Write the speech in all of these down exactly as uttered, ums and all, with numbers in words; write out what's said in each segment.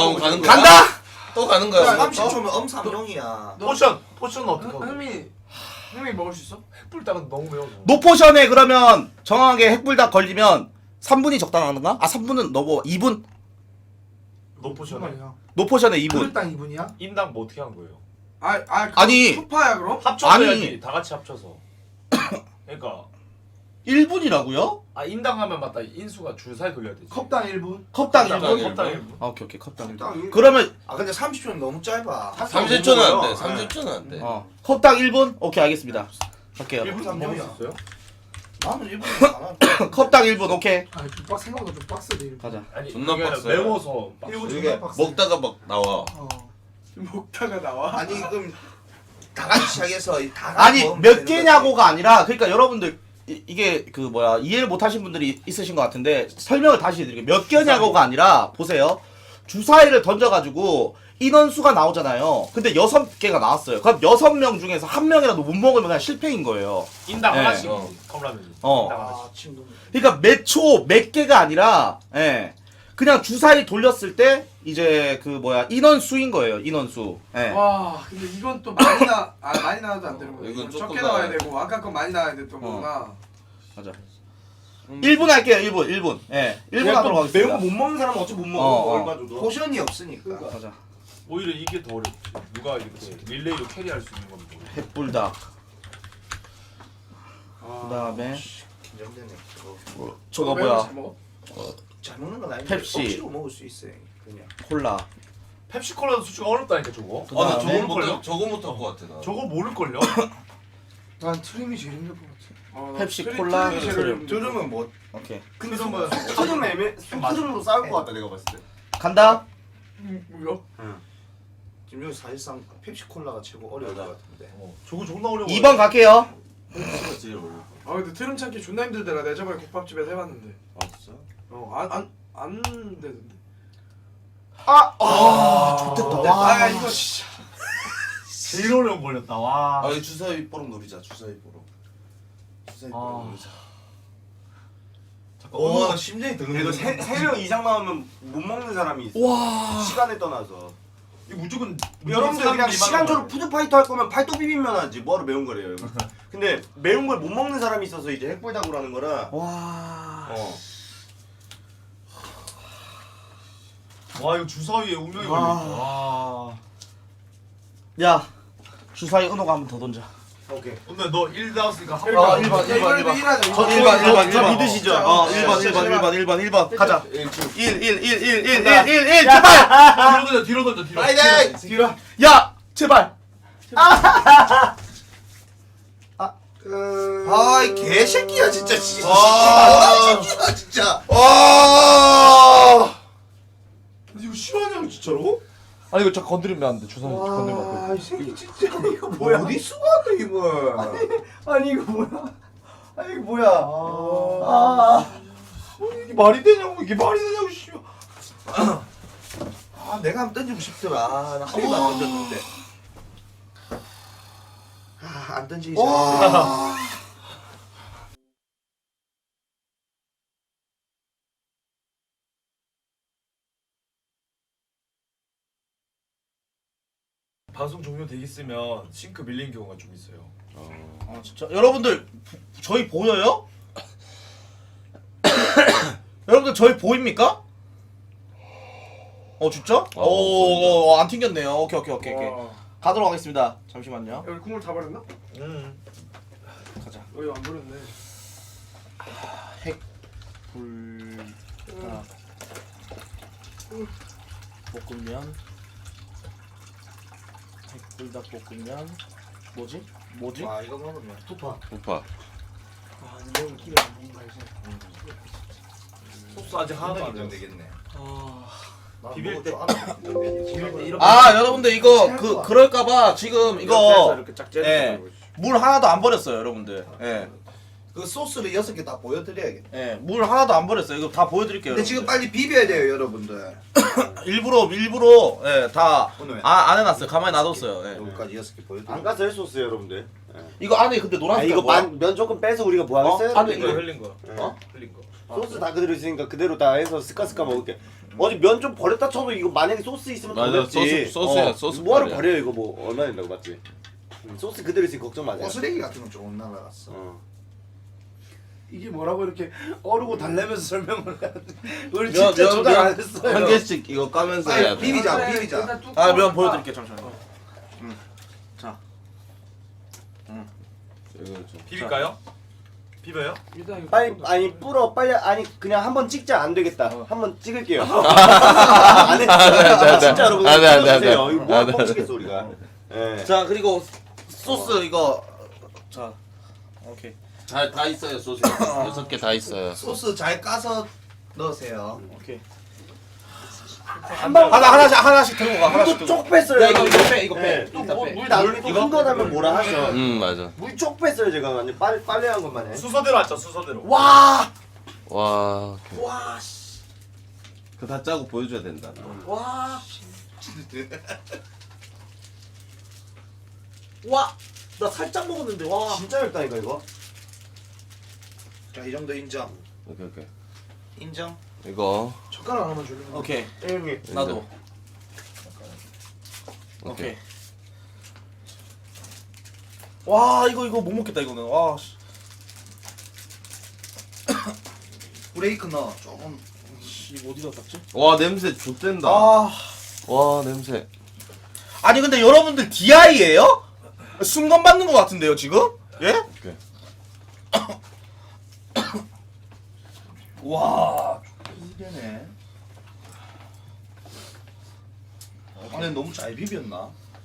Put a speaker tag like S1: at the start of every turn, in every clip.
S1: 또 가는 거야?
S2: 간다.
S1: 또 가는 거야.
S3: 삼십 초면 엄삼용이야.
S4: 포션 포션은 어떻게 하고?
S5: 흥미 흥미 먹을 수 있어?
S4: 햇불닭은 너무 매워.
S2: 노포션에 그러면 정확하게 핵불닭 걸리면 삼 분이 적당한가? 아 삼 분은 너무 이 분?
S4: 노포션에
S2: 노포션에 이 분.
S5: 그릇당 이 분이야?
S4: 인당 뭐 어떻게 하는 거예요?
S5: 아, 아,
S2: 아니.
S5: 초파야 그럼?
S4: 합쳐서
S2: 아니.
S4: 해야지. 다 같이 합쳐서. 그러니까
S2: 일 분이라고요?
S4: 아 인당 하면 맞다. 인수가 줄사이 돌려야 되지.
S5: 컵당 일 분.
S2: 컵당 일
S4: 컵당
S2: 분.
S4: 컵당 일 분.
S2: 아 오케이 오케이 컵당 일 분.
S3: 컵당
S2: 그러면
S3: 아 근데 삼십 초는 너무 짧아.
S1: 삼십 초는 안 돼. 삼십 초는 안 돼.
S2: 어 컵당 일 분? 오케이 알겠습니다. 할게요.
S4: 일 분 삼십이었어요?
S3: 나는 일본에 안 할게.
S2: 컵당 일 분 오케이.
S5: 아, 좀 빡, 생각보다 좀 빡세네 이렇게.
S2: 가자.
S4: 아니
S1: 존나
S4: 그게
S1: 빡세.
S4: 매워서 빡세.
S5: 일본
S1: 이게
S5: 존나 빡세.
S1: 먹다가 막 나와.
S5: 어. 먹다가 나와.
S3: 아니 그럼 다 같이 시작해서 다 같이
S2: 아니
S3: 먹으면
S2: 몇
S3: 되는
S2: 개냐고가 아니라 그러니까 여러분들 이, 이게 그 뭐야 이해를 못하신 분들이 있으신 것 같은데 설명을 다시 해드릴게요. 몇 개냐고가 아니라 보세요. 주사위를 던져가지고 인원수가 나오잖아요. 근데 여섯 개가 나왔어요. 그럼 여섯 명 중에서 한 명이라도 못 먹으면 그냥 실패인 거예요.
S4: 인당
S2: 네.
S4: 하나씩
S1: 어.
S4: 컵라면이.
S2: 어.
S4: 인당
S3: 아
S4: 하나씩.
S3: 친구.
S2: 그러니까 몇 초, 몇 개가 아니라, 예. 그냥 주사위 돌렸을 때, 이제 그 뭐야, 인원수인 거예요, 인원수. 예.
S5: 와, 근데 이건 또 많이 나, 아 많이 나와도 안 되는 거야.
S1: 이건
S5: 이건
S1: 조금
S5: 적게 나와야
S1: 나와야
S5: 되고 아까 건 많이 나와야 됐던 거구나.
S2: 가자. 일 분 할게요, 일 분, 일 분. 예. 일 분 하도록 하겠습니다.
S6: 매운 거 못 먹는 사람은 어차피 못 먹어.
S2: 어, 어.
S6: 얼마 정도.
S3: 포션이 없으니까.
S2: 가자.
S4: 오히려 이게 더 어렵지. 누가 이렇게 릴레이로 캐리할 수 있는 건 모르겠어.
S2: 햇불닭.
S5: 아,
S2: 그 다음에,
S3: 긴장되네. 저거.
S2: 뭐, 저거
S5: 매운 거
S2: 뭐야,
S5: 잘 먹어?
S3: 잘 먹는 건 아닌데
S2: 펩시.
S3: 억지로 먹을 수 있어 그냥.
S2: 콜라.
S4: 펩시콜라도 솔직히 어렵다니까 저거.
S2: 그
S1: 아, 나
S2: 다음에,
S1: 저거 못 저거 못할 것 같아 나.
S4: 저거 모를걸요?
S5: 난 트림이 제일 힘들 것 같아. 어, 나
S2: 펩시,
S5: 트림-
S2: 콜라,
S5: 트림이 제일
S2: 트림.
S5: 힘들 것 같아.
S3: 들으면 뭐
S2: 오케이.
S6: 근데 소금 애매 소금으로 싸울 것 같다 내가 봤을 때.
S2: 간다?
S5: 음, 뭐야?
S3: 지금 여기 사실상 펩시콜라가 최고 어려울 것 같은데.
S4: 어, 저거 존나 어려워.
S2: 이 번 갈게요.
S6: 펩시가 제일 어려워.
S5: 아 근데 트림 찾기 존나 힘들더라. 내가 저번에 국밥집에서 해봤는데.
S6: 아 진짜?
S5: 어안 안 안 되던데.
S2: 아, 좋겠다.
S5: 아 이거 진짜.
S4: 제일 어려운 걸렸다. 와.
S1: 아, 이 주사위 뽀록 노리자. 주사위 뽀록. 주사위 뽀록
S4: 아.
S1: 노리자.
S4: 잠깐.
S1: 어, 나 심장이
S6: 그래도
S1: 드는.
S6: 세명 이상 나오면 못 먹는 사람이 있어.
S2: 와.
S6: 시간에 떠나서.
S4: 이 무조건
S6: 여러분들 그냥 시간적으로 푸드파이터 할 거면 팔도 비빔면 하지 뭐하러 매운 거래요. 근데 매운 걸 못 먹는 사람이 있어서 이제 핵불닭으로 하는 거라.
S2: 와.
S6: 어.
S4: 와 이거 주사위에 운명이
S2: 와.
S4: 걸려있다. 와.
S2: 야, 주사위 은호가 한 번 더 던져.
S6: 오케이.
S4: 근데 너 일 나왔으니까 한
S2: 어,
S4: 번.
S2: 일 번, 일 번, 일 번.
S5: 일하자.
S2: 저 일 번, 일 번, 일
S6: 저
S2: 번.
S6: 믿으시죠?
S2: 어,
S5: 자,
S2: 일 번,
S5: 자,
S2: 일 번,
S5: 자,
S2: 일 번, 일 번, 일 번. 가자.
S1: 일,
S2: 일, 일, 일, 일, 일, 일, 일, 일, 제발!
S4: 뒤로 던져 뒤로 던져 뒤로.
S1: 파이팅!
S5: 뒤로.
S2: 야, 제발!
S3: 아이 개새끼야 진짜.
S1: 아.
S3: 아 새끼야 진짜.
S1: 와!
S6: 이거 싫어하냐고 진짜로?
S4: 아니 이거 저 건드리면 안 돼. 주사위 건드리면 안 돼.
S6: 아이 새끼 진짜 이거
S3: 뭐야?
S6: 뭐야?
S3: 어디 쓰고왔다 이걸.
S6: 아니 이거 뭐야? 아니 이거 뭐야? 아,
S4: 이게 말이 되냐고 이게 말이 되냐고 씨.
S3: 아 내가 한번 던지고 싶더라. 아, 나한 번도 안 던졌는데. 아안 던지기 잘했네.
S4: 방송 종료돼 있으면 싱크 밀리는 경우가 좀 있어요.
S2: 아, 진짜. 여러분들, 저희 보여요? 여러분들, 저희 보입니까? 어, 진짜?
S1: 어,
S2: 오, 어, 안 튕겼네요. 오케이, 오케이, 오케이, 오케이.
S5: 와.
S2: 가도록 하겠습니다. 잠시만요.
S5: 여기 국물 다 버렸나?
S4: 음.
S2: 가자.
S5: 여기 안 버렸네.
S2: 핵, 불, 아, 볶음면, 핵불닭 볶음면, 뭐지? 뭐지?
S3: 와 이거 먹으면
S6: 투파.
S1: 오빠.
S5: 아 이런 끼가 뭔가 이제.
S4: 소스 아직 하나도 안
S3: 안
S4: 됐어.
S3: 되겠네.
S5: 아.
S4: 비빌 때
S3: 비빌 때 이렇게.
S2: 아, 여러분들 이거 그 그럴까봐 지금 이거
S6: 이렇게 짝
S2: 예.
S6: 째는
S2: 물 하나도 안 버렸어요, 여러분들. 예,
S3: 그 소스를 여섯 개 다 보여드려야겠다.
S2: 예, 물 하나도 안 버렸어요. 이거 다 보여드릴게요.
S3: 근데 지금
S2: 여러분들.
S3: 빨리 비벼야 돼요 여러분들.
S2: 일부러 일부러 예, 다
S6: 오늘
S2: 아, 안 해놨어요. 가만히 놔뒀어요. 예.
S3: 여기까지 여섯 개 보여드려.
S6: 안 가서 소스 여러분들.
S2: 이거 안에 근데
S6: 아
S2: 노란색
S6: 이거 만, 면 조금 빼서 우리가 뭐 하겠어요?
S2: 어? 안에
S4: 흘린 거
S2: 이거
S4: 흘린 거.
S6: 어?
S4: 흘린 거.
S6: 소스 다 그대로 있으니까 그대로 다 해서 스카스카 먹을게. 어디 면 좀 버렸다 쳐도 이거 만약에 소스 있으면 더
S7: 맞아,
S6: 맵지.
S7: 소스- 소스야,
S6: 어,
S7: 소스
S6: 뭐하러
S7: 버려.
S6: 버려요 이거 뭐 얼마 된다고 맞지? 음, 소스 그대로 있으니 걱정 마세요.
S3: 꼬쓰레기 같은 건 조금 날라갔어.
S6: 어.
S3: 이게 뭐라고 이렇게 어르고 달래면서 설명을 해야 돼. 우리
S2: 면,
S3: 진짜
S2: 면,
S3: 조달 안
S2: 면.
S3: 했어요.
S7: 한 개씩 이거 까면서 해야
S3: 아니,
S7: 돼.
S3: 비비자, 비비자.
S2: 아 면 보여드릴게요 잠시만요.
S7: 이거 좀.
S4: 비빌까요? 비벼요?
S5: 일단 이거
S6: 빨리 아니 불어 빨리 아니 그냥 한번 찍자 안 되겠다.
S7: 어.
S6: 한번 찍을게요. 안 해. 아, 진짜 여러분.
S7: 안 돼, 안 돼, 안 돼.
S6: 찍어주세요. 이거
S7: 안
S6: 뭐
S7: 돼,
S6: 뻥치겠어 우리가. 예.
S2: 자 그리고 소스 이거 자 오케이.
S7: 잘 다 있어요 소스. 여섯 개 다 있어요.
S3: 소스 잘 까서 넣으세요.
S2: 오케이.
S6: 한방
S2: 하나 하나씩 하나씩 들고 가. 하나씩
S6: 물도
S2: 들고
S6: 쪽 뺐어요.
S2: 야, 이거 이거 빼, 이거 빼.
S6: 예, 또
S2: 일단
S6: 물,
S2: 빼.
S6: 물 나누고
S2: 이거?
S6: 큰거 나면 뭐라 하셔.
S7: 음 맞아.
S6: 물 쪽 뺐어요 제가 완전 빨리 빨리 한 것만 해.
S4: 순서대로 하자 순서대로.
S3: 와,
S7: 와. 오케이.
S3: 와, 씨,
S7: 그거 다 짜고 보여줘야 된다.
S3: 와, 와, 나 살짝 먹었는데 와.
S6: 진짜 맵다니까 이거.
S3: 자, 이 정도 인정.
S7: 오케이 오케이.
S3: 인정.
S7: 이거.
S5: 젓가락 하나만 줄래?
S2: 오케이.
S6: 예, 형님.
S2: 나도.
S7: 오케이.
S2: 오케이. 와 이거 이거 못 먹겠다 이거는. 와. 씨.
S3: 브레이크 넣어. 조금.
S2: 씨, 이거 어디다 닦지?
S7: 와 냄새 좋댄다.
S2: 아.
S7: 와 냄새.
S2: 아니 근데 여러분들 디아이예요? 순간 받는 것 같은데요 지금? 예?
S7: 오케이.
S3: 와, 이게네. 근데 너무 잘 비볐나?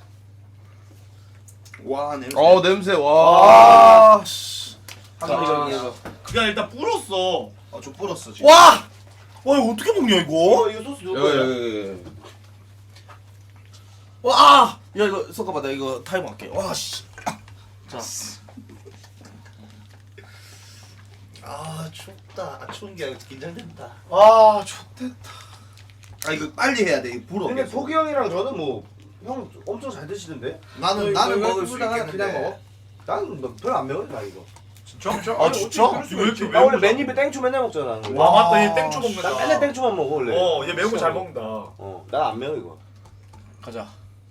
S3: 와, 냄새.
S7: 어 냄새 와.
S2: 아. 씨.
S3: 아,
S2: 자, 이거 이거.
S4: 그냥 일단 불었어.
S3: 어, 좀 불었어 지금.
S2: 와! 와 이거 어떻게 먹냐 이거?
S6: 어 이거 소스 누구
S7: 여기
S6: 거예요?
S7: 여기 여기.
S2: 와! 아! 야 이거 잠깐만 나 이거 타이머 할게. 와 씨. 자.
S3: 아, 춥다. 아, 추운 게 아니라 긴장된다.
S2: 아, 좋댔다.
S3: 아, 이거 빨리 해야 돼. 이거 불어.
S6: 근데
S3: 계속.
S6: 포기 형이랑 저는 뭐 형 엄청 잘 드시던데?
S3: 나는
S5: 이거
S3: 나는
S5: 이거
S3: 먹을 수
S5: 꿀당 하나
S3: 있겠는데.
S5: 그냥 먹어?
S6: 나는 뭐 별로 안 매워 나 이거.
S4: 진짜?
S2: 아, 진짜?
S4: 왜 이렇게
S6: 나 원래
S4: 매운
S6: 맨입에 땡초 맨날 먹잖아. 나는.
S4: 와 맞다 얘 땡초 먹는다.
S6: 나 맨날 땡초만 먹어 원래.
S4: 어, 얘 매운 거 잘 먹는다.
S6: 어, 난 안 매워 이거.
S2: 가자.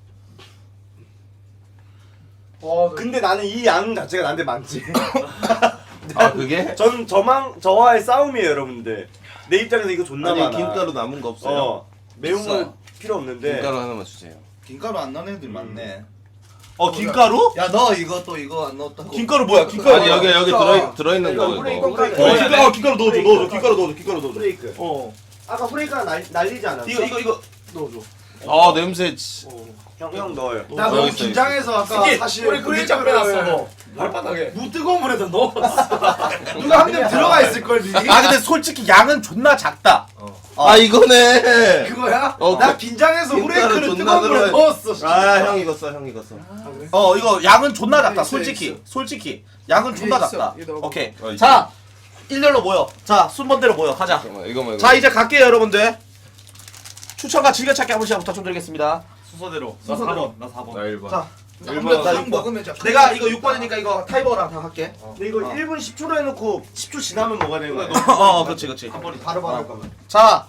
S5: 와, 나
S6: 근데 나는 이 양 자체가 나한테 많지.
S7: 아 그게?
S6: 저는 저만 저와의 싸움이에요 여러분들. 내 입장에서 이거 존나
S7: 아니
S6: 많아.
S7: 김가루 남은 거 없어요?
S6: 어 매운
S3: 있어.
S6: 거 필요 없는데.
S7: 김가루 하나만 주세요.
S3: 김가루 안 넣는 애들 많네.
S2: 어 김가루?
S3: 야, 너 이거 또 이거 안 넣었다고.
S2: 김가루 뭐야? 김가루.
S7: 아니 여기 여기 들어 들어 있는
S6: 이거
S7: 거
S6: 후레
S7: 이거.
S6: 이거
S2: 어,
S6: 까지.
S2: 김가루, 어, 김가루 넣어줘, 넣어줘, 김가루 넣어줘, 김가루 넣어줘.
S6: 브레이크.
S2: 어,
S6: 아까 후레이크가 날 날리지 않았어?
S2: 이거 이거 이거 넣어줘.
S7: 아 냄새. 치-
S6: 형형 넣어요.
S3: 나
S7: 여기
S3: 너무
S7: 있어,
S3: 긴장해서 아까
S5: 이게
S3: 사실
S5: 우리 그림자 빼놨어 너. 발바닥에. 무 뜨거운 물에다 넣었어.
S3: 누가 한 명 들어가 있을 걸 미리.
S2: 아 근데 솔직히 양은 존나 작다.
S7: 아 이거네.
S3: 그거야?
S7: 어,
S3: 나 긴장해서
S7: 김가루
S3: 후레이크를
S7: 존나
S3: 뜨거운 물에
S7: 들어가-
S3: 넣었어.
S7: 아 형 이거 써, 형 이거 써.
S2: 어 이거 양은 존나 작다.
S3: 있어,
S2: 솔직히,
S3: 있어.
S2: 솔직히 양은 존나
S5: 있어.
S2: 작다.
S5: 이거 넣어봐.
S2: 오케이.
S7: 어,
S2: 자, 일렬로 모여. 자, 순번대로 모여. 가자.
S7: 잠깐만 이거만.
S2: 자, 이제 갈게요, 여러분들. 추천과 즐겨찾기 한 번씩 부탁드리겠습니다.
S4: 순서대로.
S2: 나 사 번,
S4: 나 사 번.
S7: 나 일 번.
S2: 자,
S3: 한번
S2: 나
S3: 딱
S2: 육 번.
S3: 먹으면 자.
S2: 내가 이거 육 번이니까 이거 타이머랑 다 할게.
S6: 근데 이거 일 분 십 초로 해놓고 십 초 지나면 먹어야 되는 거야.
S2: 어, 그렇지, 그렇지.
S3: 한 번에 바로 바로 할 거면.
S2: 자,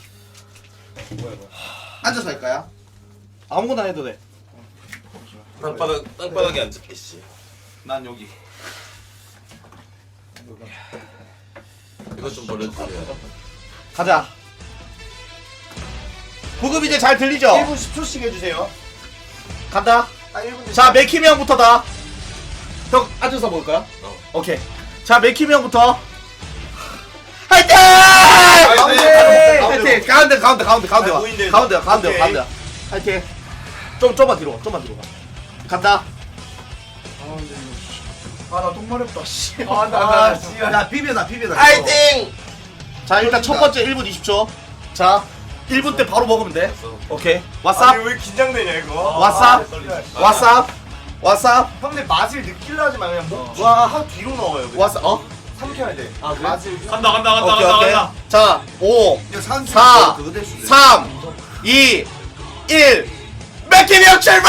S3: 앉아서 할까요?
S2: 아무거나 해도 돼.
S7: 땅바닥 땅바닥에 앉을게 씨.
S3: 난 여기.
S7: 이거 좀 버려주세요.
S2: 가자. 부급 이제 잘 들리죠?
S6: 일 분 십 초씩 해주세요.
S2: 간다.
S6: 아 일 분.
S2: 자, 맥힘이 형부터다. 형 앉아서 먹을 거야?
S7: 어.
S2: 오케이. 자, 맥힘이 형부터. 화이팅!
S6: 가운데!
S2: 화이팅! 가운데, 가운데, 가운데, 가운데 와.
S6: 아, 보인대.
S2: 가운데, 가운데,
S6: 오케이.
S2: 가운데. 화이팅! 좀, 좀만 뒤로 가, 좀만 뒤로 가. 간다.
S3: 아나 똥마렵다 씨.
S6: 아, 나,
S3: 아,
S6: 나,
S3: 씨. 야 비벼다 비벼다.
S2: 화이팅! 자, 일단 첫 번째 일 분 이십 초. 자, 일 분 때 바로 먹으면 돼. 오케이. 왓쌉?
S6: 아니 왜 긴장되냐 이거?
S2: 왓쌉? 왓쌉? 왓쌉?
S6: 형들 맛을 느끼려 하지 마 그냥 뭐, 와 하고 뒤로 넣어요. 그냥.
S2: 왓쌉? 어?
S6: 삼켜야 돼.
S2: 아, 그래?
S6: 맛을.
S4: 간다 간다 간다
S2: 오케이,
S4: 간다
S2: 오케이.
S4: 간다.
S2: 자, 오,
S3: 이거 산
S2: 사,
S3: 그거 될 수도 있어.
S2: 삼, 이, 일. 맥킴이 형 출발!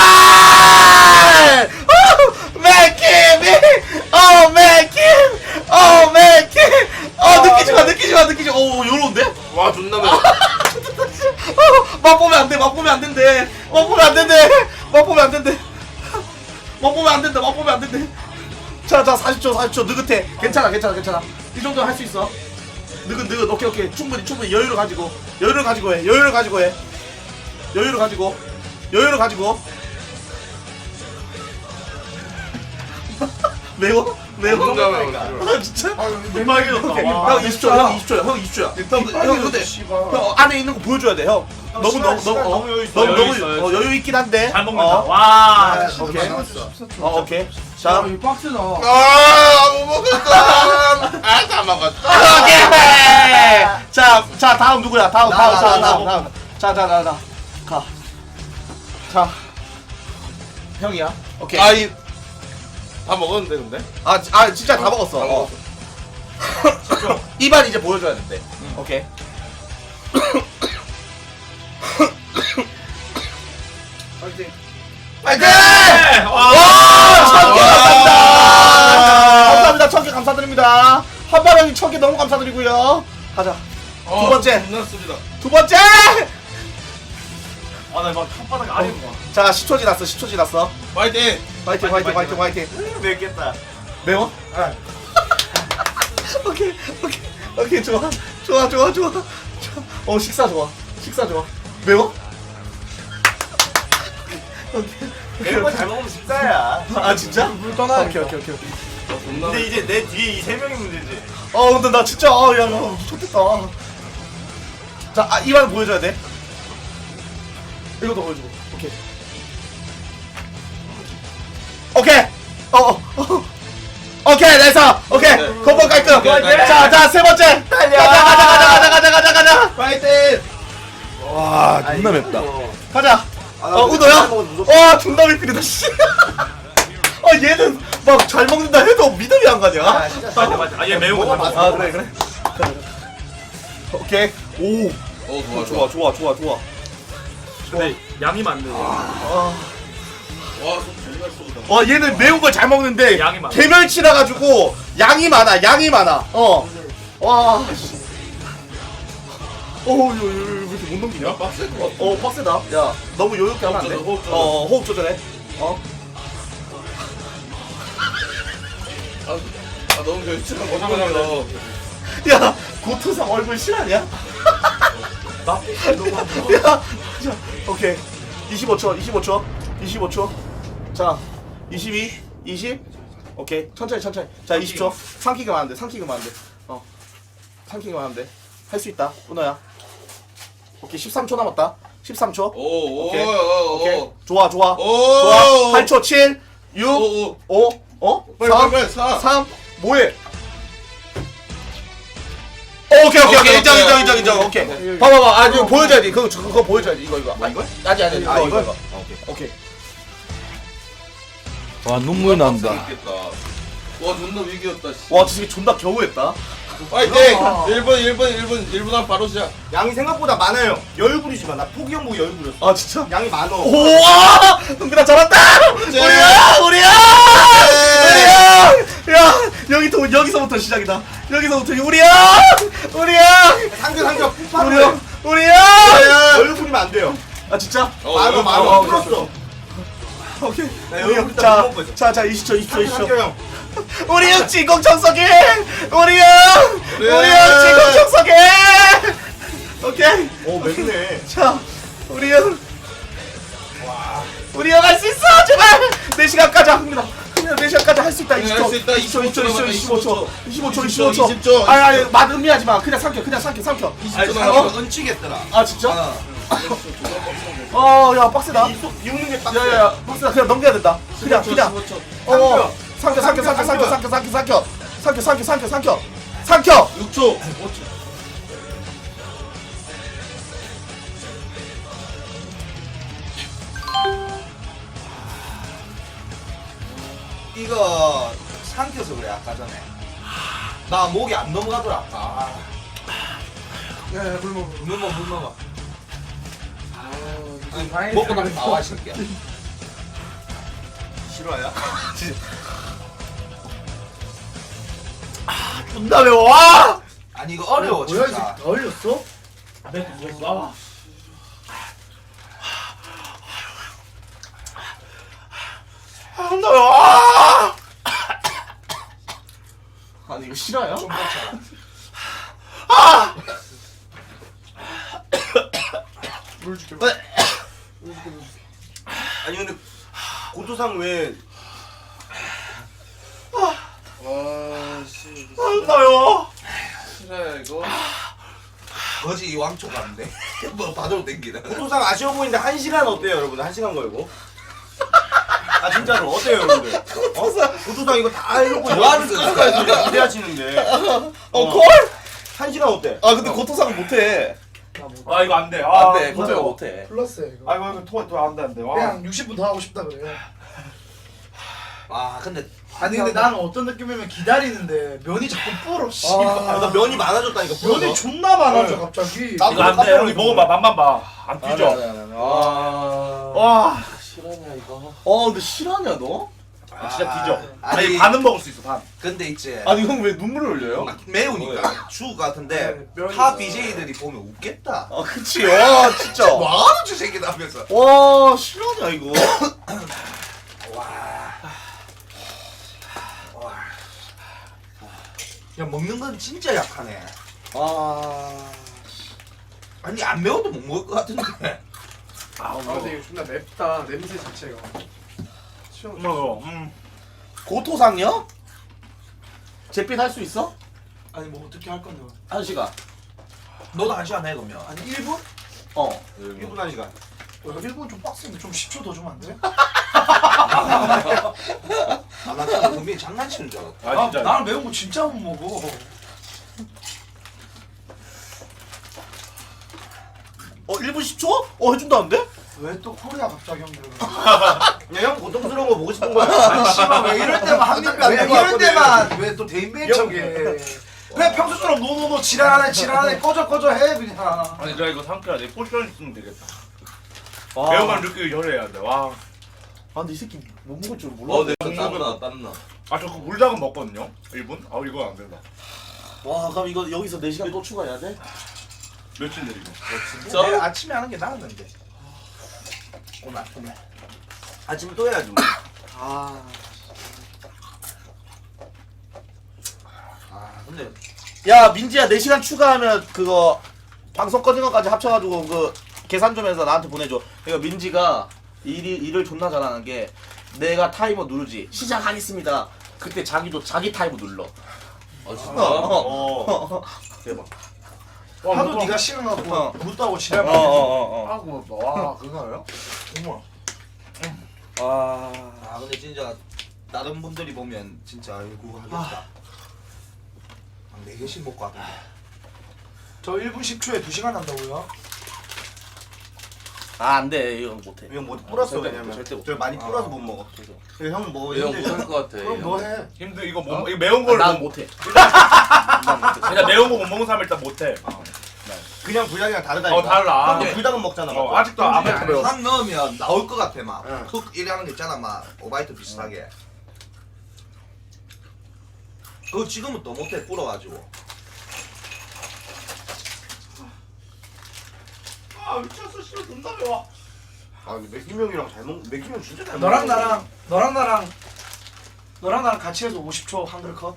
S2: 오, 맥킴이! 어, 맥킴! 어, 맥킴! 어, 느끼지 마, 느끼지 마, 느끼지 마. 오, 요런데?
S7: 와 존나 매워.
S2: 된대. 맛보면 안 된대. 맛보면 안 된대. 맛보면 안 된다. 맛보면 안 된대. 자, 자, 사십 초, 사십 초. 느긋해. 괜찮아, 괜찮아, 괜찮아. 이 정도는 할 수 있어. 느긋, 느긋. 오케이, 오케이. 충분히, 충분히 여유를 가지고. 여유를 가지고 해. 여유를 가지고 해. 여유를 가지고. 여유를 가지고. 매워? 매워? 아, 진짜?
S5: 내막이
S2: 오케이. 형 이십 초야. 형 이십 초야. 형 이십 초야. 형, 형 근데 형 안에 있는 거 보여줘야 돼. 형. 너무
S6: 시간,
S2: 너무
S6: 시간
S2: 너무 어,
S6: 너무 여유 있어.
S2: 너무
S4: 여유
S2: 너무
S4: 있어,
S2: 어, 여유 있긴 한데.
S4: 잘 먹는다.
S2: 어.
S4: 와.
S1: 아,
S2: 오케이.
S1: 남았어.
S2: 어, 오케이. 자.
S5: 이 박스다.
S7: 아못 먹었어. 아다 먹었어.
S2: 오케이. 자, 자 다음 누구야? 다음
S1: 나,
S2: 다음
S1: 나,
S2: 자,
S1: 나,
S2: 다음
S1: 나.
S2: 다음. 자, 자, 자, 자. 가. 자. 형이야. 오케이.
S7: 아이 다 먹었는데 근데.
S2: 아, 지- 아 진짜 다 먹었어.
S7: 다
S2: 어. 입안 이제 보여줘야 된대. 오케이.
S5: 파이팅.
S2: 파이팅!
S4: 와.
S2: 천개 감사합니다.
S7: 와.
S2: 감사합니다. 천개 감사드립니다. 한바령이 천개 너무 감사드리고요. 가자. 두 번째.
S7: 끝났습니다.
S2: 두 번째.
S4: 아나막 혓바닥 아래 봐.
S2: 자, 십 초 지났어. 십 초 지났어.
S7: 파이팅.
S2: 파이팅, 파이팅, 파이팅, 파이팅.
S6: 맵겠다.
S2: 매워? 오케이, 오케이, 오케이, 좋아, 좋아, 좋아, 좋아. 좋아. 어, 식사 좋아, 식사 좋아. 매워? 오케이.
S6: 매운 거잘 먹으면 식사야.
S2: 아, 진짜?
S5: 물 떠나.
S2: 오케이, 오케이, 오케이. 오케이.
S6: 근데 이제 내 뒤에 이 세 명이 문제지.
S2: 어, 근데 나 진짜, 아, 야, 야, 좋겠다. 자, 아, 이만 보여줘야 돼. 이것도 보여주고. 오케이. 오케이. 어, 어, 어. 오케이, 됐어. 오케이.
S7: 네.
S2: 건번 깔끔.
S7: 오케이, 깔끔.
S2: 자, 자, 세 번째.
S6: 달려.
S2: 가자, 가자, 가자, 가자, 가자, 가자, 가자.
S7: 파이팅. 와 존나 맵다.
S2: 가자.
S6: 아, 나
S2: 어,
S6: 근데
S2: 우도야?
S6: 잘 먹어도 무섭다.
S2: 와, 존나 미필이다, 씨. 아, 얘는 막 잘 먹는다 해도 믿음이 안 가냐?
S6: 아, 진짜 잘
S4: 맞아 맞아. 아얘 매운 거 잘 먹어.
S2: 아, 그래, 그래. 오케이. 오.
S7: 어 좋아
S2: 좋아,
S7: 좋아.
S2: 좋아, 좋아, 좋아.
S4: 근데 양이 많네.
S2: 아.
S7: 와좀 정말 쏘다.
S2: 어, 얘는 매운 걸 잘 먹는데
S4: 양이 많아.
S2: 개멸치라 가지고 양이 많아. 양이 많아. 어. 와. 씨. 어우, 요, 요, 요, 왜 이렇게 못 넘기냐?
S7: 야 빡셀 것
S2: 어,
S7: 같아.
S2: 어, 빡세다. 야, 너무 요렇게 하면 안 돼.
S7: 호흡 조절, 호흡 조절.
S2: 어, 어, 호흡 조절해. 어.
S7: 아, 아 너무 결심한 거 하면서.
S2: 야, 고토상 얼굴 실화냐?
S4: 나 너무
S2: 야, 자, 오케이. 이십오 초, 이십오 초, 이십오 초. 자, 이십이, 이십. 오케이. 천천히, 천천히. 자, 이십 초. 삼키기만 하면 돼, 삼키기만 하면 돼. 어. 삼키기만 하면 돼. 할 수 있다, 은호야. 오케이, 십삼 초 남았다. 십삼 초.
S7: 오오
S2: 오케이.
S7: 오.
S2: 오케이. 좋아, 좋아.
S7: 오.
S2: 좋아. 팔 초, 칠, 육,
S7: 오.
S2: 오, 어?
S7: 빨리
S2: 삼,
S7: 빨리 사.
S2: 삼, 뭐해? 오케이, 오케이, 오케이.
S7: 오케이,
S2: 인정,
S7: 오케이.
S2: 인정, 인정, 인정. 오케이. 봐봐봐. 아, 이거 보여줘야지. 그거, 그거 보여줘야지. 이거, 이거. 아, 이거? 아니, 아니, 아니.
S6: 아,
S2: 이거,
S6: 이거?
S2: 이거. 오케이.
S7: 와 눈물 난다. 와 존나 위기였다. 씨.
S2: 와, 진짜 존나 겨우했다.
S7: 파이팅. 일 분 일 분 일 분 일 분 한 바로 시작.
S6: 양이 생각보다 많아요. 여유 부리지 마. 나 포기형 보고 여유 부렸어.
S2: 아, 진짜?
S6: 양이 많어.
S2: 우와! 은근아 잘한다!
S7: 네.
S2: 우리야! 우리야! 우리야! 야! 여기부터, 여기서부터 시작이다. 여기서부터, 우리야! 우리야!
S6: 상대 상대가 푸파로
S2: 우리야!
S6: 해.
S2: 우리야!
S6: 여유 부리면 안 돼요.
S2: 아, 진짜?
S7: 어,
S6: 많어
S7: 어,
S6: 많어.
S2: 어,
S6: 풀었어.
S2: 오케이.
S6: 나
S2: 우리
S6: 여유
S2: 형,
S6: 부리다
S2: 자,
S6: 못 먹고 있어.
S2: 자, 자, 이십 초, 이십 초, 이십 초.
S6: 상대 형.
S2: 우리 형 진공 청소기! 우리 형! 우리 형 진공 청소기! 오케이.
S6: 오 맵네.
S2: 자, 우리 형. 우리 형 할 수 있어! 제발! 네 시간 가자, 흥민아. 흥민아, 네 시간 가자 할 수 있다.
S7: 네,
S2: 이십 초.
S7: 할수 있다.
S2: 이십 초, 이십 초, 이십 초, 이십오 초. 이십오 초, 이십오 초.
S7: 이십 초.
S2: 아니, 아니, 맛 음미하지 마. 그냥 삼켜, 그냥 삼켜, 삼켜.
S7: 아니,
S2: 어?
S6: 얹히겠더라.
S2: 아, 진짜? 어, 야, 빡세다.
S6: 이속 비우는 게 빡세.
S2: 야, 야, 야, 빡세다. 그냥 넘겨야 된다. 그냥, 그냥.
S7: 십오 초.
S2: 어, 삼켜, 삼켜, 삼켜, 삼켜, 삼켜, 삼켜, 삼켜. 삼켜, 삼켜, 삼켜, 삼켜. 삼켜!
S7: 육 초. 오 초.
S6: 이거 삼켜서 그래 아까 전에. 나 목이 안 넘어가더라 아까.
S5: 야, 야, 물 먹어.
S6: 물 먹어 물 먹어.
S5: 아니, 다행히
S6: 먹고 나면 나와 이 새끼야. 실화야?
S2: 존나 매워. 와!
S6: 아니 이거 어려워
S5: 뭐야,
S6: 진짜.
S5: 더 흘렸어?
S4: 네, 와.
S2: 한다요. 아! 아니 이거 싫어요?
S5: 좀 그렇잖아.
S2: 아!
S5: 물 줄게.
S2: 네.
S5: 물 줄게. 물 줄게.
S6: 아니 근데 고토상 왜
S7: 와씨
S2: 한다요.
S7: 싫어요 이거.
S3: 거지 왕초 같은데. 뭐 받아도 땡기다.
S6: 고토상 아쉬워 보이는데 한 시간 어때요 여러분들? 한 시간 걸고. 아 진짜로 어때요 여러분들? 어? 고토상 이거 다 해놓고
S3: 뭐 하는 거야?
S6: 기대하시는데
S2: 어 콜?
S6: 한 시간 어때?
S2: 아 근데 고토상은 못해.
S5: 나 못.
S4: 아 이거 안 돼. 아,
S2: 안돼 고토가
S5: 이거
S2: 못해.
S5: 플러스야 이거.
S4: 아 이거 토 토안돼 안돼. 와.
S5: 그냥 육십 분 더 하고 싶다 그래.
S3: 아 근데
S5: 아니 근데 나는 어떤 느낌이면 기다리는데 면이 자꾸 불어. 씨.
S6: 아, 나 면이 많아졌다니까.
S5: 면이
S6: 면이
S5: 존나 많아져 갑자기.
S6: 나-
S4: 이거 안 돼. 형이 먹어봐. 맛만 봐. 안
S2: 아,
S4: 뛰죠.
S2: 와.
S7: 와 싫어냐 이거.
S2: 어 근데 실화냐 너?
S4: 아, 진짜 뒤져.
S3: 아니,
S4: 아니 반은 먹을 수 있어 반.
S3: 근데 이제
S2: 아니 형 왜 눈물을 흘려요?
S3: 매우니까 추 같은데
S5: 네, 면이
S3: 타
S5: 있어.
S3: 비제이들이 보면 웃겠다.
S2: 아 그치. 와 진짜.
S3: 뭐하는 저 새끼다 하면서.
S2: 와 실화냐 이거?
S3: 야 먹는 건 진짜 약하네.
S2: 아.
S3: 아니 안 매워도 못 먹을 것 같은데.
S5: 아 근데 이거 존나 맵다 냄새 자체가. 시원.
S4: 어, 음.
S2: 고토상요? 제빛 할 수 있어?
S5: 아니 뭐 어떻게 할 건데?
S2: 한 시간.
S3: 너도 한 시간 해 그러면.
S5: 아니 일 분?
S2: 어.
S6: 일 분 한 시간.
S5: 어, 일 분 좀 빡센데 좀 십 초 더 주면 안 돼?
S3: 아나 진짜 분명히 장난치는 줄 알았다.
S4: 아 진짜.
S5: 나는 매운 거 진짜 못 먹어.
S2: 어 일 분 십 초? 어 해준다는데?
S5: 왜 또 코리아 갑자기 형들?
S6: 그냥 형 고통스러운 거 보고 싶은 거야.
S5: 아니 씨발 왜 이럴 때만 한입 왜 이럴 때만 왜 또 대인배인 척해? 왜 평소처럼 노노노 지랄하네 지랄하네 꺼져 꺼져 해 그냥.
S4: 아니 내가 이거 삼켜야 돼. 포션 있으면 되겠다.
S2: 와.
S4: 매운맛 느끼기 전에 해야 돼. 와.
S2: 아 근데 이 새끼 못 먹을 줄 몰라.
S7: 어 내가 땀나 땀나.
S4: 아 저 그 물닭은 먹거든요. 일 분? 아 이거 안 된다.
S2: 와 그럼 이거 여기서 네 시간 또 추가해야 돼?
S4: 며칠 내리고.
S7: 진짜?
S5: 내일 아침에 하는 게 나았는데. 오늘 오늘.
S6: 아침에 또 해야지 뭐.
S5: 아.
S3: 아 근데
S2: 야 민지야 네 시간 추가하면 그거 방송 꺼진 것까지 합쳐가지고 그 계산 좀 해서 나한테 보내줘. 그러니까 민지가 일이, 일을 존나 잘하는 게 내가 타이머 누르지 시작하겠습니다. 그때 자기도 자기 타이머 눌러.
S7: 아 진짜?
S2: 어. 대박.
S5: 하도 네가 싫어하고
S2: 어.
S5: 묻다고 지랄
S2: 어어어어.
S5: 하고 와 그거요? 어머.
S2: 와.
S3: 아 근데 진짜 다른 분들이 보면 진짜 아이고 하겠다. 한 네 개씩 먹고 왔던데.
S5: 저 일 분 십 초에 두 시간 한다고요?
S2: 아 안돼 이거 못해.
S6: 이건 뭐 뿌렸어
S2: 절대
S6: 왜냐면.
S2: 못해, 절대 못해.
S6: 저 많이 뿌려서 못 먹어. 그래서 형은 뭐
S7: 이형
S6: 힘들죠?
S7: 못할 것 같아.
S5: 그럼 너 해.
S4: 힘들 이거 뭐 이거 매운 걸
S2: 난
S4: 못-
S2: 못해. 난 못해.
S4: 그냥 매운 거 못 먹는 사람 일단 못해.
S6: 그냥 불닭이랑 다르다니까.
S4: 어 달라.
S6: 형도 불닭은 먹잖아.
S4: 어,
S6: 맞죠?
S4: 아직도 안
S5: 근데
S4: 먹고 매워.
S3: 한 넣으면 나올 것 같아 막.
S6: 응.
S3: 훅 이래 하는 게 있잖아 막 오바이트 비슷하게. 그거 지금은 또 못해 불어가지고.
S2: 아 미쳤어 씨발 존나 매워.
S6: 아 근데 맥힘 형이랑 잘 먹. 맥힘 형 진짜 잘 먹어.
S5: 너랑 나랑 너랑 나랑 너랑 나랑 같이 해서 오십 초 한글 컷.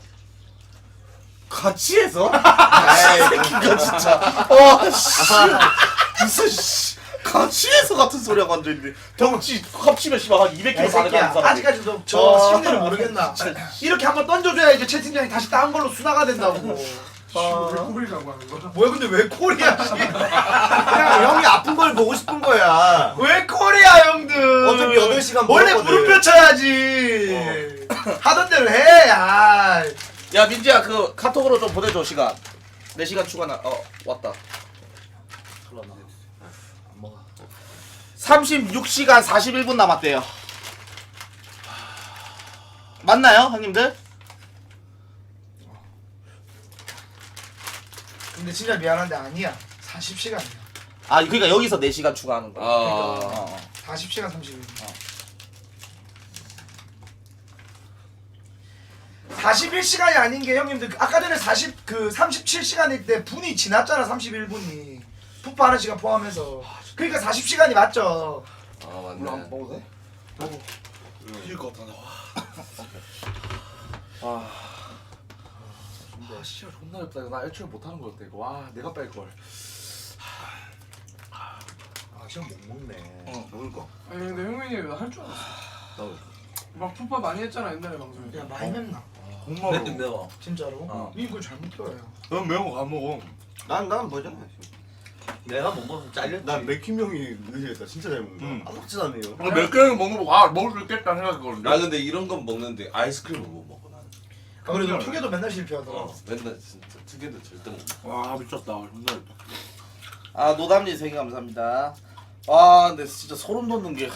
S2: 같이 해서?
S6: 에이,
S2: 이거 진짜. 와 씨. 무슨 씨. 같이 해서 같은 소리하고 앉아있는데 덩치 합치면 씨발 한 이백
S5: 야, 이
S2: 킬로 가는
S5: 새끼야.
S2: 사람.
S5: 아직까지도 저
S2: 어.
S5: 심리를 모르겠나? 이렇게 한번 던져줘야 이제 채팅창이 다시 다른 걸로 순화가 된다고.
S2: 아.
S5: 왜 코리라고 하는 거야? 뭐야 근데 왜 코리아? 씨.
S6: 그냥 형이 아픈 걸 보고 싶은 거야.
S5: 왜 코리아 형들?
S6: 어차피 여덟 시간
S5: 원래
S6: 먹었거든.
S5: 무릎 쳐야지. 하던 대로 해. 아.
S2: 야 민지야 그 카톡으로 좀 보내줘 시간. 네 시간 추가나. 어 왔다. 삼십육 시간 사십일 분 남았대요. 맞나요 형님들?
S5: 근데 진짜 미안한데 아니야. 사십 시간이야.
S2: 아 그러니까 여기서 네 시간 추가하는 거야.
S7: 아.
S2: 어, 어.
S5: 사십 시간 삼십 일. 사십일 시간이 아닌 게 형님들 아까 전에 사십 그 삼십칠 시간일 때 분이 지났잖아. 삼십일 분이 푸파하는 시간 포함해서. 그러니까 사십 시간이 맞죠.
S7: 아
S5: 물론
S7: 맞네.
S5: 먹어도 돼? 먹어.
S7: 힐 것 같아.
S4: 아, 아, 씨발 존나 렵다. 나 애초에 못하는 거 같아. 이거. 와, 내가 뺄 걸.
S5: 아 시험 못 먹네.
S4: 어.
S5: 먹을 거.
S8: 아니 근데 형민이 할 줄 알았어.
S7: 나도.
S8: 막 푸파 많이 했잖아 옛날에 방송에.
S5: 야 많이 맵나?
S4: 공마로.
S3: 매워.
S5: 진짜로?
S3: 어.
S5: 니 그걸 잘못 들어요.
S4: 넌 매운 거 안 먹어.
S6: 난난 뭐잖아.
S3: 내가 못 먹으면 잘렸지.
S6: 난 맥힘 형이 의지했다. 진짜 잘 먹는다.
S4: 응.
S6: 아무렇지도 않네요.
S4: 근데 몇 개는 먹는 거, 아, 먹을 수 있겠다 생각했거든.
S7: 나 근데 이런 건 먹는데 아이스크림을 못 먹어 나는.
S5: 아 그래도 투게도 맨날 실패하더라.
S7: 어, 맨날 진짜 특이도 절대 못 먹어.
S4: 와, 미쳤다. 존나 렵다.
S2: 아 노담님 생일 감사합니다. 아 근데 진짜 소름 돋는 게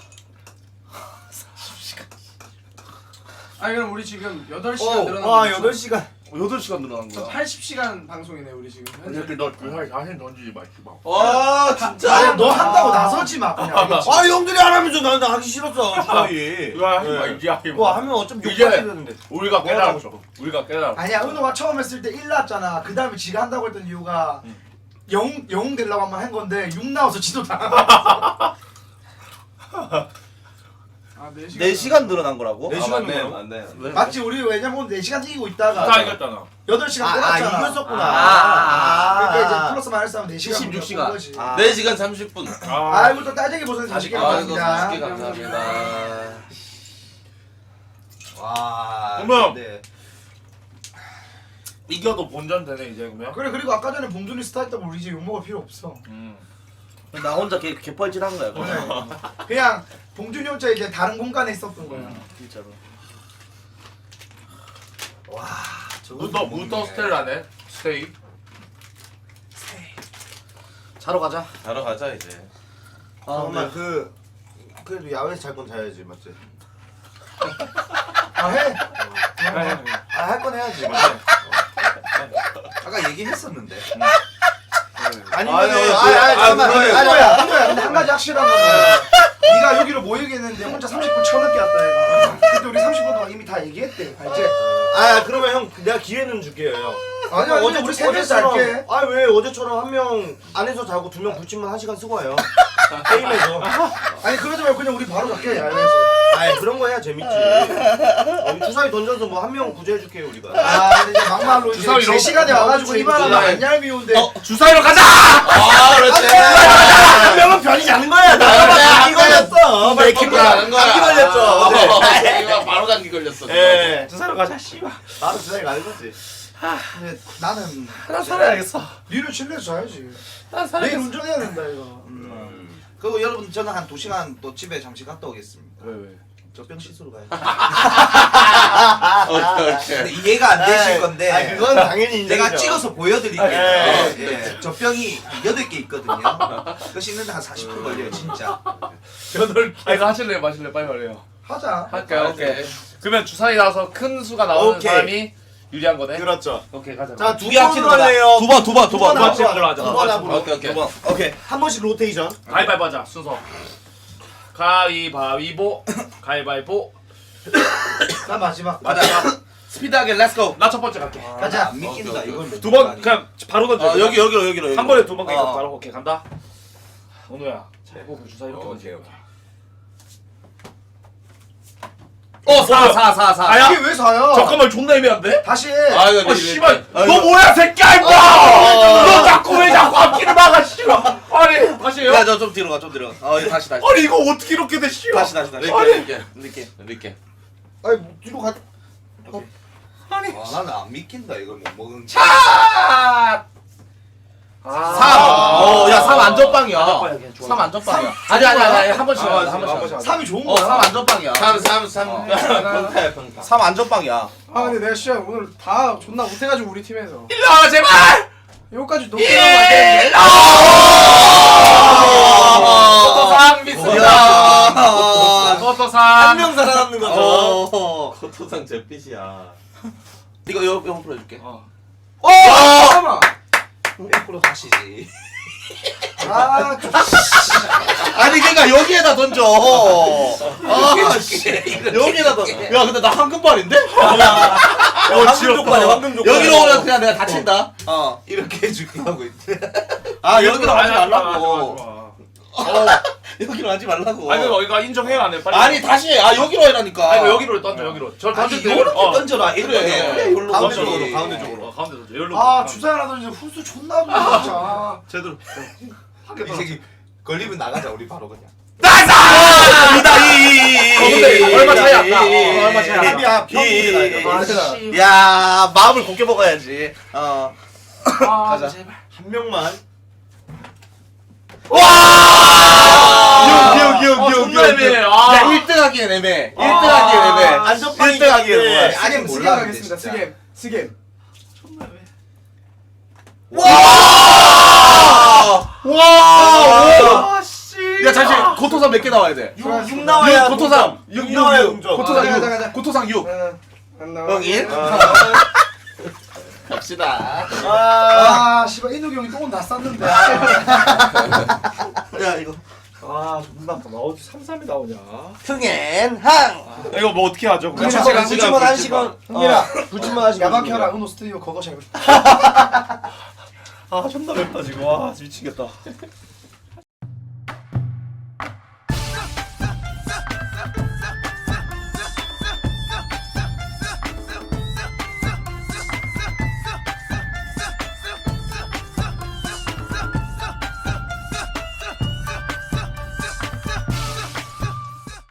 S8: 아니 그럼 우리 지금 여덟 시간 늘어난
S6: 와
S8: 거
S6: 여덟 시간.
S2: 여덟 시간 늘어난 거야.
S8: 팔십 시간 방송이네 우리 지금.
S4: 이 새끼 너 주사위 자신 던지지 마, 씨발.
S7: 와 진짜.
S5: 아니 너 한다고 나서지 마 그냥. 알겠지?
S6: 아 형들이 안 하면서 나는 하기 싫었어. 주사위.
S4: 이거 하지 마, 이제 하지 마.
S6: 뭐 하면 어차피
S4: 이제
S6: 욕하게 되는데.
S4: 우리가
S6: 뭐 하고
S4: 깨달았어. 우리가 깨달았어.
S5: 아니야 은호가 처음 했을 때 일 나왔잖아. 그 다음에 지가 한다고 했던 이유가 영웅 영웅 되려고 한번 한 건데 육 나와서 지도 당했어.
S8: 아네 시간.
S2: 네 시간 늘어난 거라고?
S6: 네
S7: 아,
S6: 시간
S7: 맞네
S6: 넘어요?
S7: 맞네.
S2: 왜?
S5: 맞지 우리 왜냐면 네 시간 이기고
S4: 다
S5: 있다가
S4: 이겼잖아.
S5: 여덟 시간
S6: 아, 아
S5: 꼬랐잖아.
S6: 이겼었구나.
S2: 아,
S5: 그러니까 이제 플러스 마이너스 하면 네 시간
S2: 칠십육 시간.
S5: 거지.
S2: 아.
S7: 네 시간 삼십 분.
S4: 아,
S5: 아이고 또 딸쟁이 보선 사십 개
S7: 아이고
S5: 감사합니다.
S7: 사십 개 감사합니다.
S3: 와.
S4: 그러면-
S3: 근데
S4: 이겨도 본전 되네, 이제 그러면.
S5: 그래 그리고 아까 전에 봉준이 스타 했다고 우리 이제 욕먹을 필요 없어.
S4: 음.
S2: 나 혼자 개 개뻘짓한 거야. 그냥.
S5: 그냥 봉준이 혼자 이제 다른 공간에 있었던 거야.
S2: 진짜로.
S3: 와. 저거
S4: 무더,
S3: 못
S4: 무더
S3: 먹네.
S4: 스텔라네. 스테이.
S2: 자러 가자.
S7: 자러 가자 이제.
S2: 아
S6: 잠깐만
S2: 근데
S6: 그 그래도 야외에서 잘 건 자야지 맞지?
S5: 아 해.
S6: 아 할 건 해야지 맞지?
S3: 아까 얘기했었는데.
S6: 아니면
S5: 아니, 아니,
S6: 아,
S5: 아니,
S6: 아,
S5: 잠깐만.
S6: 그거예요.
S5: 아니, 한도야, 한도야. 근데 한 가지 확실한 거는 네가 여기로 모이겠는데 혼자 삼십 분 쳐넣게 왔다 얘가. 근데 우리 삼십 분 동안 이미 다 얘기했대. 알지?
S6: 아 그러면 형 내가 기회는 줄게요 형.
S5: 아니 아니 우리 세 명이서 할게.
S6: 아왜 어제처럼 한 명 안에서 자고 두 명 붙이면 한 시간 쓰고 와요. 게임에서.
S5: 아니 그러지 말고 그냥 우리 바로 갈게. 야외에서.
S6: 아 그런 거 해야 재밌지. 어, 주사위 던져서 뭐 한 명 구제해줄게요 우리가.
S5: 아 근데 이제 막말로 이제
S4: 주사위로?
S5: 제 시간에 와가지고
S6: 그렇지,
S5: 이만하면
S7: 그렇지.
S5: 안 얄미운데.
S4: 주사위로 가자!
S7: 아 그렇지.
S6: 한 명은 변이지 않는 거야. 나가 감기 걸렸어.
S7: 내 기분 나는 거야.
S6: 감기 걸렸죠. 어제.
S7: 이거 바로 감기 걸렸어.
S6: 예. 주사위로 가자 씨발. 바로 주사위 가는 거지.
S5: 근데 나는
S2: 나 살아야겠어.
S5: 니를 칠레서 자야지.
S2: 나
S5: 내일
S2: 살아야겠어.
S5: 운전해야 된다 이거.
S3: 그리고 여러분 저는 한 두 시간 또 집에 잠시 갔다 오겠습니다.
S4: 왜, 왜?
S3: 젖병 씻으러 가야지.
S7: 오케이
S3: 근데
S7: 오케이.
S3: 이해가 안 되실 건데.
S6: 아 그건 당연히 인정이죠.
S3: 제가 찍어서 보여드릴게요.
S6: 예.
S3: 예. 젖병이 여덟 개 있거든요. 그거 씻는데 한 사십 분 걸려요, 진짜.
S4: 여덟 개. 아, 이거 하실래요? 마실래요? 빨리 말해요.
S5: 하자.
S4: 할까요? 오케이. 그러면 주사위 나와서 큰 수가 나오는
S6: 오케이.
S4: 사람이 유리한 거네?
S6: 그렇죠.
S4: 오케이, 가자.
S6: 자,
S2: 두 개 합치는 거다.
S6: 할래요.
S2: 두 번, 두 번, 두 번.
S6: 두 번
S4: 두 번 하자.
S6: 두번 합으로.
S7: 오케이 오케이.
S2: 두 번. 오케이.
S6: 한 번씩 로테이션.
S4: 가위바위보 하자, 순서. 가위바위보. 가위바위보.
S5: 나 마지막.
S2: 맞아. 스피드하게 렛츠고.
S4: 나 첫 번째 갈게.
S5: 가자.
S3: 안 믿긴다, 이건.
S4: 두 번, 그냥 바로 던져.
S2: 어 여기 여기로 여기로. 여기로.
S4: 한 번에 두 번 가니까
S2: 어.
S4: 바로 오케이, 간다. 원우야, 잘 보고 주사위 이렇게
S7: 오케이,
S4: 던져.
S7: 오케이.
S2: 어, 사, 사, 사, 사.
S4: 아야?
S5: 이게 왜 사요?
S4: 잠깐만, 존나 애매한데?
S5: 다시 해.
S7: 아 이거
S4: 아, 씨발.
S2: 아,
S4: 너
S2: 이거-
S4: 뭐야, 새끼야, 임마! 너 자꾸 왜 자꾸 앞길을 막아, 씨발. 아니, 다시 해요?
S2: 야, 저 좀 뒤로 가, 좀 뒤로 가. 어, 이거 다시, 다시.
S4: 아니, 이거 어떻게 이렇게 돼, 씨발.
S2: 다시, 다시, 다시.
S7: 이렇게 이렇게
S2: 이렇게.
S7: 이렇게.
S5: 아니 뭐 뒤로 가.
S4: 아니.
S3: 와, 나는 안 믿긴다, 이걸 못 먹은 게.
S4: 아! 아.
S2: 삼. 어, 야, 삼 안전빵이야.
S4: 안전빵이야, 그냥 좋아.
S2: 삼 안전빵이야. 아니, 아니, 아니, 한 번씩
S4: 아,
S2: 하자, 한 번씩 하자.
S5: 삼이 좋은
S2: 어,
S5: 거야.
S2: 삼 안전빵이야.
S7: 삼 삼 삼
S2: 어.
S7: 평타야 평타.
S2: 삼 안전빵이야.
S8: 아 근데 내가 진짜 오늘 다 존나 못해가지고 우리 팀에서
S4: 일로 와, 제발!
S8: 여기까지 높게 가면 안 되는데.
S4: 토토상 믿습니다.
S2: 야.
S4: 토토상.
S6: 한 명 살아남는 거죠.
S2: 어.
S7: 코토상 잿빛이야.
S2: 이거 요, 요 풀어줄게.
S4: 어.
S2: 어!
S8: 잠깐만.
S3: 백 퍼센트 하시지.
S5: 아, 좀
S2: 아니, 그니까 여기에다 던져. 아, 씨. 여기에다 던져. 야, 근데 나 황금발인데?
S6: 황금 족발이야 황금 족발.
S2: 여기로 오면 그냥 내가 다친다. 어.
S3: 이렇게 해줄게 하고 있대.
S2: 아, 여기로 하지
S4: 아니야,
S2: 말라고.
S4: 좋아, 좋아, 좋아.
S2: 여기로 하지 말라고.
S7: 아니 이거 이거 인정해야 안 해. 빨리.
S2: 아니 다시 해. 아 여기로 해라니까.
S7: 아니 이거 여기로 던져 여기로. 저 던질 때
S2: 이렇게
S7: 어.
S2: 던져라. 이렇게.
S7: 그래.
S2: 그래. 이걸로
S3: 가운데
S2: 던져.
S3: 쪽으로, 가운데
S7: 쪽으로. 어, 가운데 던져. 여기로.
S5: 아 주사라도 이제 후수 존나 부네 진짜.
S7: 제대로.
S3: 이 새끼 걸리면 나가자 우리 바로 그냥.
S2: 나이스! 이다이.
S7: 근데 얼마 차이 안 나. 어, 얼마 차이 안 나.
S3: 합이야 평균이
S5: 아,
S3: 나가.
S5: 진짜.
S2: 야 마음을 곱게 먹어야지. 어.
S5: 아
S2: 가자.
S5: 제발.
S6: 한 명만.
S2: 와!
S6: 기억 기억
S7: 아,
S6: 기억
S7: 존나 애매해. 아.
S2: 야 일 등 하기엔 애매해. 일 등 하기엔 애매해.
S6: 안전빵이
S2: 일 등 하기엔
S6: 있는데.
S2: 뭐야.
S3: 아니
S5: 스겜
S3: 몰라
S5: 가겠습니다. 스겜 스겜.
S2: 와!
S5: 아 씨.
S2: 야 잠시 고토상 몇 개 나와야 돼?
S6: 육, 육 나와야
S2: 고토상
S6: 육 나와야
S2: 육
S6: 동점.
S2: 고토상
S5: 가자, 가자,
S2: 육
S5: 가자.
S2: 고토상 육
S5: 안 나와.
S2: 형 일? 갑시다.
S5: 아 씨발 인욱이 형이 똥은 다 쌌는데.
S2: 야 이거
S6: 아 존나 아파. 어디 삼삼이 나오냐?
S2: 흥앤항.
S7: 이거 뭐 어떻게 하죠?
S5: 그냥
S6: 불침번
S5: 제가
S6: 한 시간 한 시간.
S5: 흥민아
S6: 불침번 한 시간.
S5: 야박해라 은호 스튜디오 그거 잘.
S7: 아 존나 맵다 지금. 와 미치겠다.